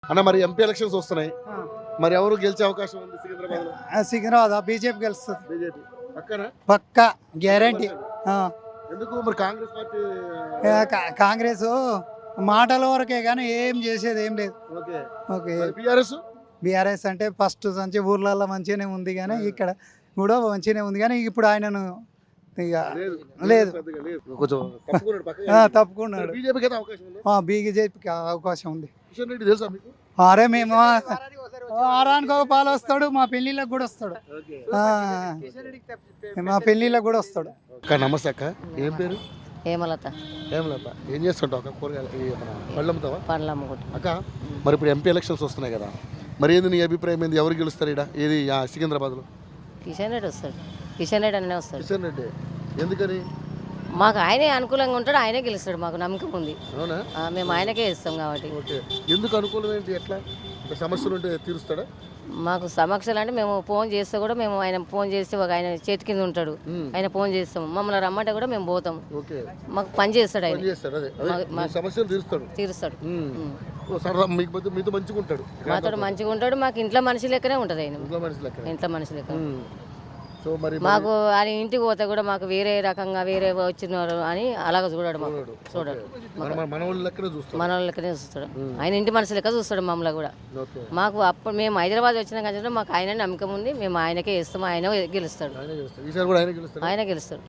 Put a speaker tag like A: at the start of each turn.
A: అన్న మరి MP elections వస్తున్నాయి. మరి ఎవరు గెలిచే అవకాశం ఉంది సికింద్రాబాద్ లో?
B: సికింద్రాబాద్ బీజేపీ గెలుస్తుంది
A: బీజేపీ పక్కన
B: పక్కా గ్యారంటీ.
A: ఎందుకు మరి కాంగ్రెస్ పార్టీ?
B: కాంగ్రెస్ మాటల వరకే కానీ ఏం చేసేది ఏం లేదు.
A: ఓకే
B: ఓకే
A: బీఆర్ఎస్
B: బీఆర్ఎస్ అంటే ఫస్ట్ నుంచి ఊర్లలో మంచిగానే ఉంది కానీ ఇక్కడ కూడా మంచిగానే ఉంది కానీ ఇప్పుడు ఆయనను ఇక లేదు.
A: పెద్దగా లేదు. కొంచెం తప్పుకున్నాడు పక్కన.
B: తప్పుకున్నాడు.
A: బీజేపీకి అయితే అవకాశం ఉందా?
B: బీజేపీకి అవకాశం ఉంది.
A: కిషన్ రెడ్డి తెలుసా మీకు?
B: అరే మేము వారానికి ఒక పాలు వస్తాడు, మా పెళ్ళిళ్ళకి కూడా వస్తాడు,
A: ఓకే
B: మా పెళ్ళిళ్ళకి కూడా వస్తాడు.
A: అక్క నమస్తే అక్క. ఏం పేరు?
C: హేమలత.
A: ఏమలత ఏం చేస్తుంటావు అక్క? కూరగాయలు పళ్ళు అమ్ముతావా?
C: పండ్లు అమ్ముకుంటా.
A: అక్క మరి ఇప్పుడు ఎంపీ ఎలక్షన్స్ వస్తున్నాయి కదా, మరి ఏంది నీ అభిప్రాయం ఏంది? ఎవరు గెలుస్తారు ఇక్కడ ఏది సికింద్రాబాద్లో?
C: కిషన్ రెడ్డి వస్తాడు. కిషన్ రెడ్డి అనే వస్తాడు.
A: కిషన్ రెడ్డి ఎందుకని?
C: మాకు ఆయనే అనుకూలంగా ఉంటాడు, ఆయనే గెలుస్తాడు. మాకు నమ్మకం ఉంది.
A: అవునా?
C: మేము ఆయనకే ఇస్తాం కాబట్టి.
A: ఓకే ఎందుకు అనుకూలం ఏంటి? ఎట్లా సమస్యలు ఉంటే తీరుస్తాడా?
C: మాకు సమస్యలు అంటే మేము ఫోన్ చేస్తే కూడా మేము ఆయన ఫోన్ చేస్తే ఒక ఆయన చేతి కింద ఉంటాడు, ఆయన ఫోన్ చేస్తాం. మమ్మల్ని రమ్మంటే కూడా మేము పోతాం.
A: ఓకే
C: మాకు పని చేస్తాడు ఆయన.
A: పని చేస్తాడు. అదే మీ సమస్యలు తీరుస్తాడు.
C: తీరుస్తాడు.
A: ఓ సరదా మీతో మంచిగా ఉంటాడు.
C: మాతో మంచిగా ఉంటాడు. మాకు ఇంట్లో మనిషి లెక్కనే ఉంటుంది ఆయన.
A: ఇంట్లో మనిషి లెక్క.
C: ఇంట్లో మనిషి లెక్క.
A: సో మరి
C: మాకు ఆయన ఇంటికి పోతే కూడా మాకు వేరే రకంగా వేరే వచ్చినారు అని అలాగ చూడాడు. మాకు చూడాడు.
A: మన వాళ్ళ లెక్కనే చూస్తాడు.
C: మన వాళ్ళ లెక్కనే చూస్తాడు. ఆయన ఇంటి మనిషి లెక్క చూస్తాడు మమ్మల్ని కూడా.
A: ఓకే
C: మాకు అప్పుడు మేము హైదరాబాద్ వచ్చిన కానీ మాకు ఆయన నమ్మకం ఉంది. మేము ఆయనకే ఇస్తాము. ఆయన గెలుస్తాడు.
A: ఆయన గెలుస్తాడు. ఈసారి కూడా ఆయన గెలుస్తాడు.
C: ఆయన గెలుస్తాడు.